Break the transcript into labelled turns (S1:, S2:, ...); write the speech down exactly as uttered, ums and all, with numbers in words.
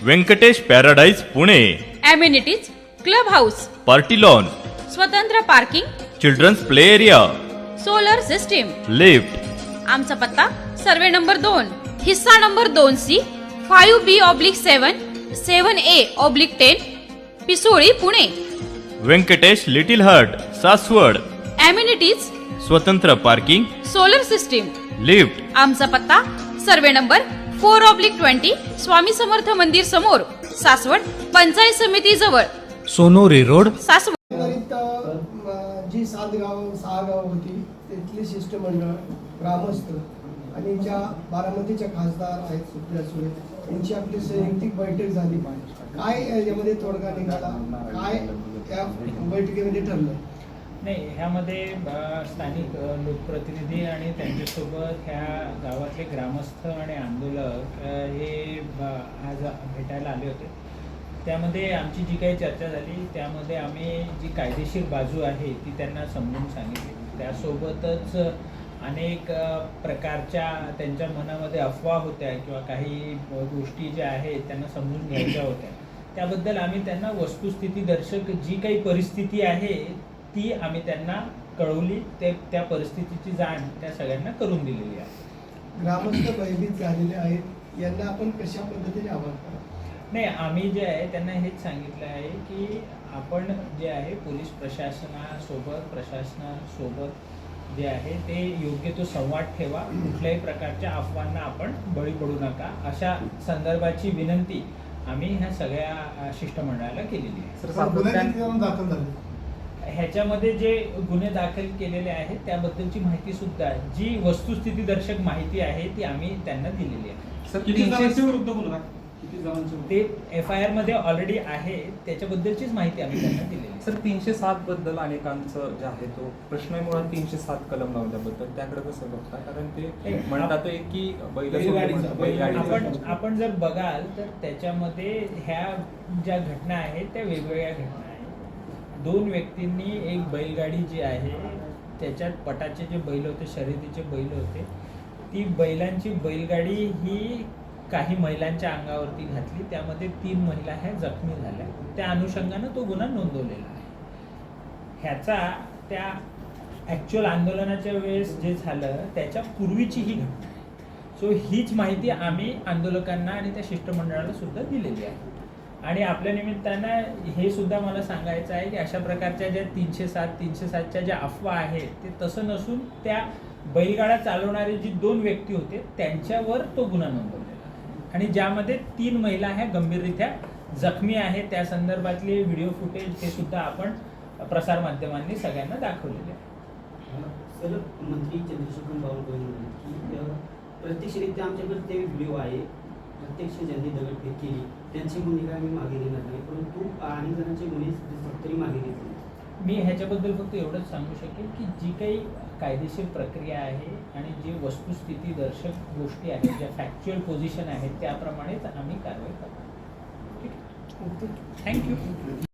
S1: Venkatesh paradise Pune.
S2: Amenities club house,
S1: party lawn,
S2: स्वतंत्र parking,
S1: children's play area,
S2: solar system.
S1: Lift.
S2: आमचा पत्ता survey number दोन, हिस्सा नंबर दोन C, five B oblique seven, seven A oblique ten, Pisoli Pune.
S1: Venkatesh little heart Saswad.
S2: Amenities
S1: स्वतंत्र parking,
S2: solar system.
S1: Lift.
S2: आमचा पत्ता survey number four oblique twenty, Swami Samarth मंदिर समोर, सासवड, पंचायत समिती जवळ,
S3: सोनोरी रोड,
S2: सासवड.
S4: एकंदरीत अ, जी सात गाव सहा गाव होती तिथली शिष्टमंडळ, ग्रामस्थ आणि ज्या बारामतीच्या खासदार आहेत सुप्रिया सुळे यांची आपली संयुक्तिक बैठक झाली. काय याच्यामध्ये तोडगा निघाला, काय त्या बैठकीमध्ये ठरलं?
S5: नाही, ह्यामध्ये अ, स्थानिक अ, लोकप्रतिनिधी आणि त्यांच्यासोबत ह्या गावातले ग्रामस्थ आणि आंदोलक अ, हे ब- आज भेटायला आले होते. त्यामध्ये आमची जी काही चर्चा झाली त्यामध्ये आम्ही जी कायदेशीर बाजू आहे ती त्यांना समजून सांगितली. त्यासोबतच अनेक अ, प्रकारच्या त्यांच्या मनामध्ये अफवा होत्या किंवा काही अ, गोष्टी ज्या आहेत त्यांना समजून घ्यायच्या होत्या. त्याबद्दल आम्ही त्यांना वस्तुस्थितीदर्शक जी काही परिस्थिती आहे ती आम्ही त्यांना कळवली. ते त्या परिस्थितीची जाण त्या सगळ्यांना करून दिलेली आहे.
S4: ग्रामस्थ भयभीत झालेले आहेत, यांना आपण कशा पद्धतीने आवाहन करा?
S5: नाही, आम्ही जे आहे त्यांना हेच सांगितलं आहे की आपण जे आहे पोलीस प्रशासनासोबत प्रशासनासोबत जे आहे ते योग्य तो संवाद ठेवा. कुठल्याही प्रकारच्या अफवांना आपण बळी पडू नका, अशा संदर्भाची विनंती आम्ही ह्या सगळ्या शिष्टमंडळाला केलेली आहे. ह्याच्यामध्ये जे गुन्हे दाखल केलेले आहेत त्याबद्दलची माहिती सुद्धा, जी वस्तुस्थितीदर्शक माहिती आहे ती आम्ही त्यांना दिलेली आहे. ते एफ आय आर मध्ये ऑलरेडी आहे, त्याच्याबद्दलचीच माहिती आम्ही त्यांना दिलेली आहे.
S6: सर, तीनशे सात बद्दल अनेकांचं जे आहे तो प्रश्न आहे. मुळात तीनशे सात कलम लावल्याबद्दल त्याकडे कसं बघता? कारण ते म्हणतात की बैलगाडी
S5: आपण आपण जर बघाल तर त्याच्यामध्ये ह्या ज्या घटना आहेत त्या वेगवेगळ्या घटना आहेत. दोन व्यक्तींनी एक बैलगाडी जी आहे त्याच्यात पटाचे जे बैल होते, शर्यतीचे बैल होते, ती बैलांची बैलगाडी ही काही महिलांच्या अंगावरती घातली. त्यामध्ये तीन महिला ह्या जखमी झाल्या. त्या अनुषंगानं तो गुन्हा नोंदवलेला आहे. ह्याचा त्या ॲक्च्युअल आंदोलनाच्या वेळेस जे झालं त्याच्या पूर्वीची ही घटना आहे. सो हीच माहिती आम्ही आंदोलकांना आणि त्या शिष्टमंडळाला सुद्धा दिलेली आहे. आणि आपल्या निमित्तानं हे सुद्धा मला सांगायचं आहे की अशा प्रकारच्या ज्या तीनशे सात तीनशे सातच्या ज्या अफवा आहेत ते तसं नसून त्या बैलगाडा चालवणारे जी दोन व्यक्ती होते त्यांच्यावर तो गुन्हा नोंदवलेला आहे. आणि ज्यामध्ये तीन महिला ह्या गंभीररित्या जखमी आहेत. त्या संदर्भातले व्हिडिओ फुटेज हे सुद्धा आपण प्रसारमाध्यमांनी सगळ्यांना दाखवलेले आहे.
S7: सर, मंत्री चंद्रशेखर बावनकुळे की प्रत्यक्षरित्या आमच्याकडे ते व्हिडिओ आहे, प्रत्यक्ष ज्यांनी दगडफेक केली त्यांची भूमिका आम्ही मागे घेणार नाही, परंतु अनेक जणांचे गुन्हे तरी मागे घेतले.
S5: मी ह्याच्याबद्दल फक्त एवढंच सांगू शकेन की जी काही कायदेशीर प्रक्रिया आहे आणि जी वस्तुस्थिती दर्शक गोष्टी आहेत, ज्या फॅक्च्युअल पोझिशन आहेत त्याप्रमाणेच आम्ही कारवाई करतो. ठीक आहे, थँक्यू.